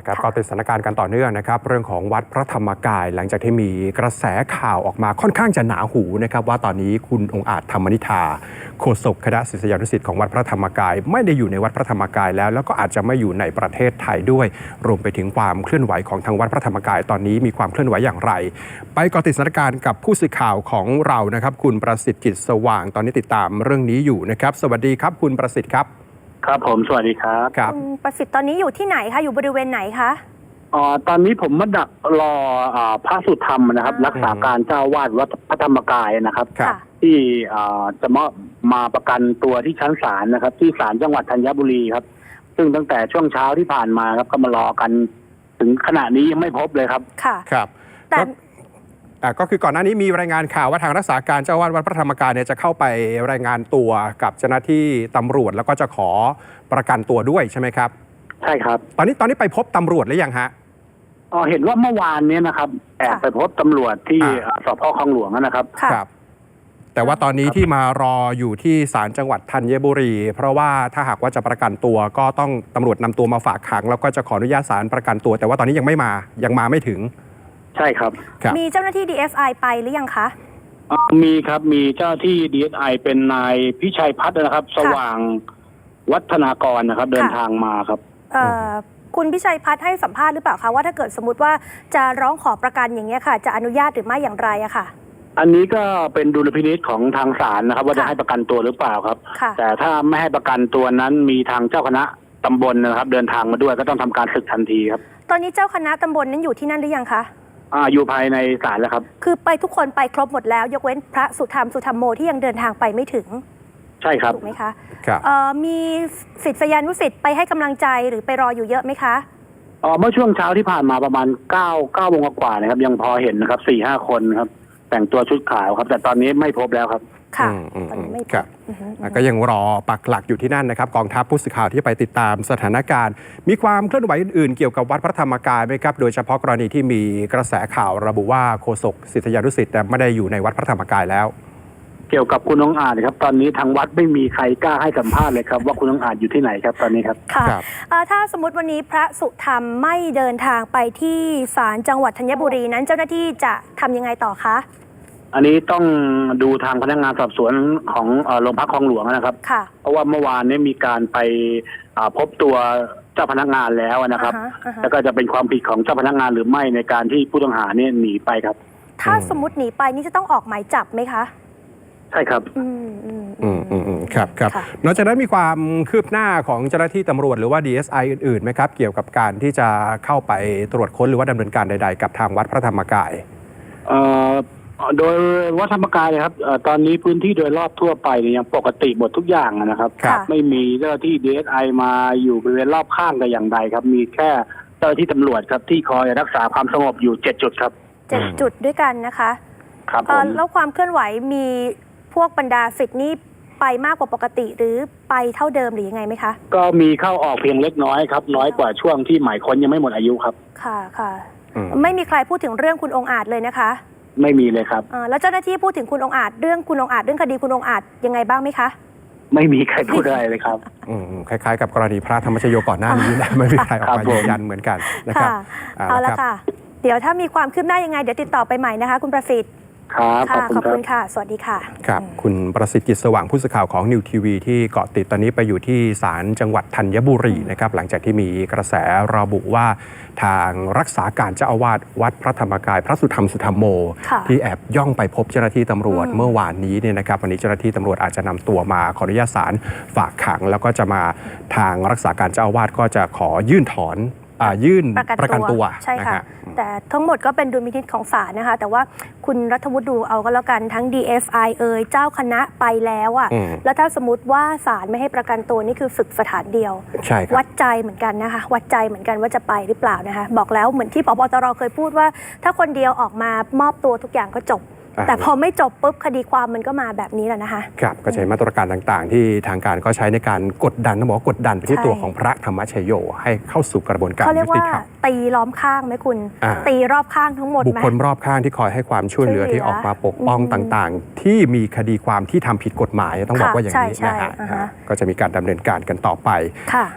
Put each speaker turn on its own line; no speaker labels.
ครับก็ติดสถานการณ์กันต่อเนื่องนะครับเรื่องของวัดพระธรรมกายหลังจากที่มีกระแสข่าวออกมาค่อนข้างจะหนาหูนะครับว่าตอนนี้คุณองค์อาจธรรมนิธาโฆษกคณะศิษยานุศิษย์ของวัดพระธรรมกายไม่ได้อยู่ในวัดพระธรรมกายแล้วก็อาจจะไม่อยู่ในประเทศไทยด้วยรวมไปถึงความเคลื่อนไหวของทางวัดพระธรรมกายตอนนี้มีความเคลื่อนไหวอย่างไรไปเกาะติดสถานการณ์กับผู้สื่อข่าวของเรานะครับคุณประสิทธิ์กิจสว่างตอนนี้ติดตามเรื่องนี้อยู่นะครับสวัสดีครับคุณประสิทธิ์ครับ
ครับผมสวัสดีครับ
คุณประสิทธิ์ตอนนี้อยู่ที่ไหนคะอยู่บริเวณไหนคะ
ตอนนี้ผมมาดักรอพระสุธรรมนะครับรักษาการเจ้าวาดวัดพระธรรมกายนะครับที่จะมาประกันตัวที่ชั้นศาลนะครับที่ศาลจังหวัดธัญบุรีครับซึ่งตั้งแต่ช่วงเช้าที่ผ่านมาครับก็มารอกันถึงขณะนี้ยังไม่พบเลยครับ
ค่ะ
ครับแต่ก็คือก่อนหน้านี้มีรายงานข่าวว่าทางรักษาการเจ้าวาดวัดพระธรรมกายเนี่ยจะเข้าไปรายงานตัวกับเจ้าหน้าที่ตำรวจแล้วก็จะขอประกันตัวด้วยใช่ไหมครับ
ใช่ครับ
ตอนนี้ไปพบตำรวจหรือยังฮะ
เห็นว่าเมื่อวานนี้นะครับแอบไปพบตำรวจที่สพ.คลองหลวงนะครับ
ครับแต่ว่าตอนนี้ที่มารออยู่ที่ศาลจังหวัดธัญบุรีเพราะว่าถ้าหากว่าจะประกันตัวก็ต้องตำรวจนำตัวมาฝากขังแล้วก็จะขออนุญาตศาลประกันตัวแต่ว่าตอนนี้ยังมาไม่ถึง
ใช่ครับ
มีเจ้าหน้าที่ DSI ไปหรือยังคะ
มีครับมีเจ้าที่ DSI เป็นนายพิชัยพัฒน์นะครับสว่างวัฒนากรนะครับเดินทางมาครับ
คุณพิชัยพัฒน์ให้สัมภาษณ์หรือเปล่าคะว่าถ้าเกิดสมมติว่าจะร้องขอประกันอย่างเงี้ยค่ะจะอนุญาตหรือไม่อย่างไรอะค่ะ
อันนี้ก็เป็นดุลพินิจของทางศาลนะครับว่าจะให้ประกันตัวหรือเปล่าครับแต่ถ้าไม่ให้ประกันตัวนั้นมีทางเจ้าคณะตำบลนะครับเดินทางมาด้วยก็ต้องทำการศึกทันทีครับ
ตอนนี้เจ้าคณะตำบลนั้นอยู่ที่นั่นหรือยังคะ
อยู่ภายในศาลแล้วครับ
คือไปทุกคนไปครบหมดแล้วยกเว้นพระสุธรรมโมที่ยังเดินทางไปไม่ถึง
ใช่ครับ
ถูกไหมคะมีศิษยานุศิษย์ไปให้กำลังใจหรือไปรออยู่เยอะไหมคะ
เมื่อช่วงเช้าที่ผ่านมาประมาณ9 โมงกว่านะครับยังพอเห็นนะครับ 4-5 คนครับแต่งตัวชุดขาวครับแต่ตอนนี้ไม่พบแล้วครับ
ค่ะ
ครับก็ยังรอปักหลักอยู่ที่นั่นนะครับกองทัพผู้สื่อข่าวที่ไปติดตามสถานการณ์มีความเคลื่อนไหวอื่นๆเกี่ยวกับวัดพระธรรมกายไหมครับโดยเฉพาะกรณีที่มีกระแสข่าวระบุว่าโฆษกศิษยานุศิษย์แต่ไม่ได้อยู่ในวัดพระธรรมกายแล้ว
เกี่ยวกับคุณองค์อาจครับตอนนี้ทางวัดไม่มีใครกล้าให้สัมภาษณ์เลยครับว่าคุณองค์อาจอยู่ที่ไหนครับตอนนี้ครับ
ค่ะถ้าสมมติวันนี้พระสุธรรมไม่เดินทางไปที่ศาลจังหวัดธัญบุรีนั้นเจ้าหน้าที่จะทำยังไงต่อคะ
อันนี้ต้องดูทางพนักงานสอบสวนของโรงพักคลองหลวงนะครับเพราะว่าเมื่อวานนี้มีการไปพบตัวเจ้าพนักงานแล้วนะครับแล้วก็จะเป็นความผิดของเจ้าพนักงานหรือไม่ในการที่ผู้ต้องหาเนี่ยหนีไปครับ
ถ้าสมมติหนีไปนี่จะต้องออกหมายจับไหมคะ
ใช่ครับ
ครับนอกจากนั้นมีความคืบหน้าของเจ้าหน้าที่ตำรวจหรือว่า DSI อื่นๆไหมครับเกี่ยวกับการที่จะเข้าไปตรวจค้นหรือว่าดำเนินการใดๆกับทางวัดพระธรรมกาย
โดยวัดธรรมกายครับตอนนี้พื้นที่โดยรอบทั่วไปยังปกติหมดทุกอย่างนะครับไม่มีเจ้าหน้าที่ DSI มาอยู่บริเวณรอบข้างแต่อย่างใดครับมีแค่เจ้าหน้าที่ตำรวจครับที่คอยรักษาความสงบอยู่7 จุดครับ
7 จุดด้วยกันนะคะ
ครับ
แล้วความเคลื่อนไหวมีพวกบรรดาศิษย์นี่ไปมากกว่าปกติหรือไปเท่าเดิมหรือยังไงไหมคะ
ก็มีเข้าออกเพียงเล็กน้อยครับน้อยกว่าช่วงที่หมายค้นยังไม่หมดอายุครับ
ค่ะไม่มีใครพูดถึงเรื่องคุณองค์อาจเลยนะคะ
ไม่มีเลยครับ
แล้วเจ้าหน้าที่พูดถึงคุณองค์อาจเรื่องคุณองค์อาจเรื่องคดีคุณองค์อาจยังไงบ้างไหมคะ
ไม่มีใครพูดอะไรเลยครับ
คล้ายๆกับกรณีพระธรรมชโยก่อนหน้านี้นะไม่มีใครออกมายืนยันเหมือนกันนะครับ
เอาละค่ะเดี๋ยวถ้ามีความคืบหน้ายังไงเดี๋ยวติดต่อไปใหม่นะคะคุณประสิทธิ์ขอบคุณค่ะสวัสดีค่ะ
ครับคุณประสิทธิ์กิจสว่างผู้สื่อข่าวของนิวทีวีที่เกาะติดตอนนี้ไปอยู่ที่ศาลจังหวัดธัญบุรีนะครับหลังจากที่มีกระแสระบุว่าทางรักษาการเจ้าอาวาสวัดพระธรรมกายพระสุธรรมสุธรรมโมที่แอบย่องไปพบเจ้าหน้าที่ตำรวจเมื่อวานนี้เนี่ยนะครับวันนี้เจ้าหน้าที่ตำรวจอาจจะนำตัวมาขออนุญาตศาลฝากขังแล้วก็จะมาทางรักษาการเจ้าอาวาสก็จะขอยื่นประกันตัว
ใช่ค่ะแต่ทั้งหมดก็เป็นดุลพินิจของศาลนะคะแต่ว่าคุณรัฐวุฒิดูเอาก็แล้วกันทั้ง DSI เจ้าคณะไปแล้วแล้วถ้าสมมติว่าศาลไม่ให้ประกันตัวนี่คือฝึกสถานเดียววัดใจเหมือนกันนะคะวัดใจเหมือนกันว่าจะไปหรือเปล่านะคะบอกแล้วเหมือนที่ผบ.ตร.เคยพูดว่าถ้าคนเดียวออกมามอบตัวทุกอย่างก็จบแต่พอไม่จบปุ๊บคดีความมันก็มาแบบนี้แหละนะคะ
ครับก็ใช้มาตรการต่างๆที่ทางการก็ใช้ในการกดดันต้องบอกว่ากดดันไปที่ตัวของพระธรรมชโยให้เข้าสู่กระบวนการ
เขาเรียกว่าตีล้อมข้างไหมคุณตีรอบข้างทั้งหมด
บุคคลรอบข้างที่คอยให้ความช่วยเหลือที่ออกมาปกป้องต่างๆที่มีคดีความที่ทำผิดกฎหมายต้องบอกว่าอย่างนี้นะฮะก็จะมีการดำเนินการกันต่อไป